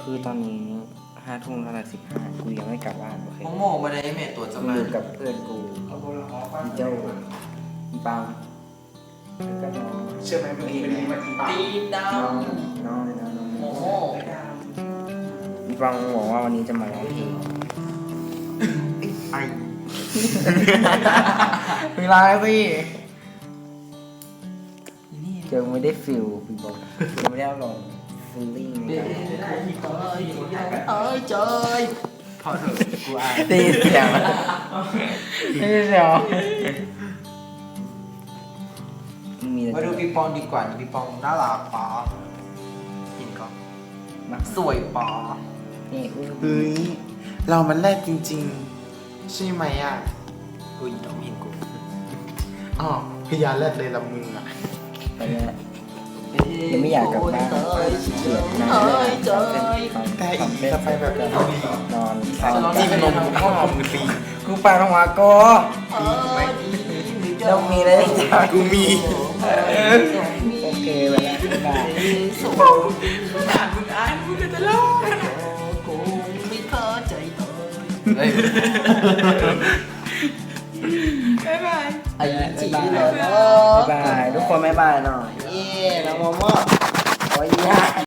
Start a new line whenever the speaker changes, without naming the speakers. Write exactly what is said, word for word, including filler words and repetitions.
คือตอนนี้ห้าทุ่มเท่าไหร่สิบห้ากูยังไม่กลับบ้านโอเค
โมโมมาได้เมทตัวจะ
กู
มา
อยู่กับเพื่อนกูอีเจ้าอีปังแล้วก็น้อง
เชื่อไหมเมื่อกี้เป็นทีมาทีปา
ตีมดา
น้อ
ว
งน้องเลยนะน้อง
โมโม
อีปังบอกว่าวันนี้จะมาร้องเพลง
ไอ
เวลาสิเจอไม่ได้ฟิลพี่บอกยังไม่ได้ลองฟิลลิ่งใน
เอ้
การ
ยเอ้ยเจย
พอเถอะกูอาย
ตีเสียงตีเสียงมี
มาดูปีปองดีกว่านี่ปีปองน่ารักปอเห็นก็
มา
สวยปอ
นี่อุ้ย
เฮ้ยเรามันแรกจริงๆ ใช่ไหมอ่ะ
อุ้ยต้องเห็นกู
อ๋อพยานแรกเลยละมึงอ่ะ
ตอนนี้ยังไม่อยากกลับบ้านเกลียดนอน
เอ้ยเจย
แต่อีกจะไปแบบนี้
นอน
จริงนมกูพ่อมึงตี
กูปาทวาโก
เอ้ย
ต้องมีอะไรจ้า
กูมี
โอเคไปแล้วได้
สูงอ่านมึงอ่านมึงก็จะเล่ากูไม่เข้าใจเลยบ๊ายบายไอ้จีเลย
บ๊ายบายทุกคนบ๊ายบายหน่อย
เย้น้องโมโม
โอ้ยยาก